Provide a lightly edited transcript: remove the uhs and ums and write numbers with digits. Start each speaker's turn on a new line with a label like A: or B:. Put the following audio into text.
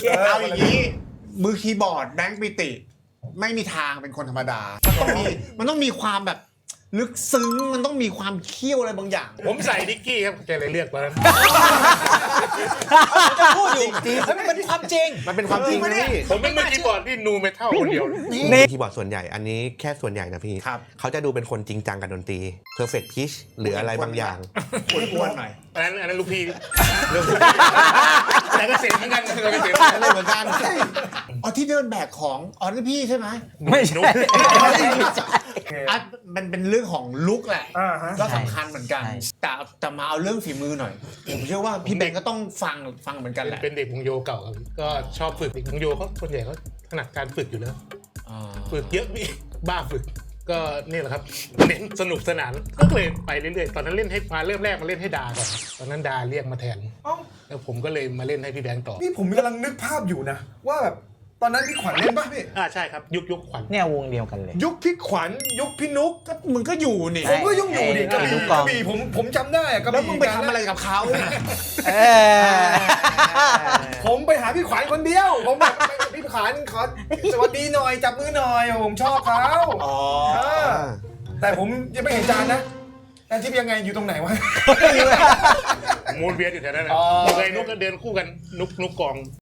A: เอาอย่างนี้มือคีย์บอร์ดแบงค์ปิติ ไม่มีทางเป็นคนธรรมดา มันต้องมีความแบบลึกซึ้งมันต้องมีความเคี่ยวอะไรบางอย่าง
B: ผมใส่นิกกี้ครับแกเลยเลือกตอนนั้น
C: จะพูดอยู่แล้วมันเป็นความจริง
D: มันเป็นความจริงนะพี่
B: ผมเป็นมือคีย์บอร์ดที่นูเมทัลคนเดียว
D: คีย์บอร์ดส่วนใหญ่อันนี้แค่ส่วนใหญ่นะพี่
A: ครับ
D: เขาจะดูเป็นคนจริงจังกับดนตรี perfect pitch หรืออะไรบางอย่าง
A: อ้วนๆหน่อย
B: อันนั้นลูกพี่แต่ก็เสียงเหมือนกันแต่ก็เสียง
A: อะไรเหมือนกันอ๋อที่เดินแบกของอ๋อนี่พี่ใช่ไหม
C: ไม่ใช่
A: อ่ะมันเป็นเรื่องของลุกแหละ
E: ฮะ
A: ก็สำคัญเหมือนกัน
C: ใช่
A: แต่มาเอาเรื่องฝีมือหน่อยผมเชื่อว่าพี่เบนก็ต้องฟังเหมือนกันแหละ
B: เป็นเด็กวงโยเก่าครับก็ชอบฝึกเด็กวงโยเขาส่วนใหญ่เขาถนัดการฝึกอยู่แล้วฝึกเยอะพี่บ้าฝึกก็นี่แหละครับเน้นสนุกสนานก็เลยไปเรื่อยๆตอนนั้นเล่นให้มาเริ่มแรกมาเล่นให้ดาก่อนตอนนั้นดาเรียกมาแทน
E: เอ้า
B: แล้วผมก็เลยมาเล่นให้พี่แบงค์ต่อ
E: นี่ผมกำลังนึกภาพอยู่นะ ว่าแบบตอนนั้นพี่ขวัญเล่นป่ะพี่
B: ใช่ครับยุคขวัญ
C: เนี่ยวงเดียวกันเลย
E: ยุคพี่ขวัญยุคพี่นุ๊ก
A: ก็มึงก็อยู่นี่
E: ผมก็ยุ่งอยู่ดิกระ
C: ยุ
E: บี่
C: ค
E: ก
C: กอง
E: ระบี่ผมจำได้อะกระ
A: แล้ว
E: บี่
A: มึงไปทำอะไรกับเขา
E: ผมไปหาพี่ขวัญคนเดียว ผมแบบพี่ขวัญขอสวัสดีหน่อยจับมือหน่อยผมชอบเขา
A: อ๋อ
E: เออแต่ผมยังไม่เห็นจานนะจานทิพย์ยังไงอยู่ตรงไหนวะ
B: มูนเวียนอยู่แถวนั้นนะ
E: อ๋อ
B: เคยนุกก็เดินคู่กันนุกกอง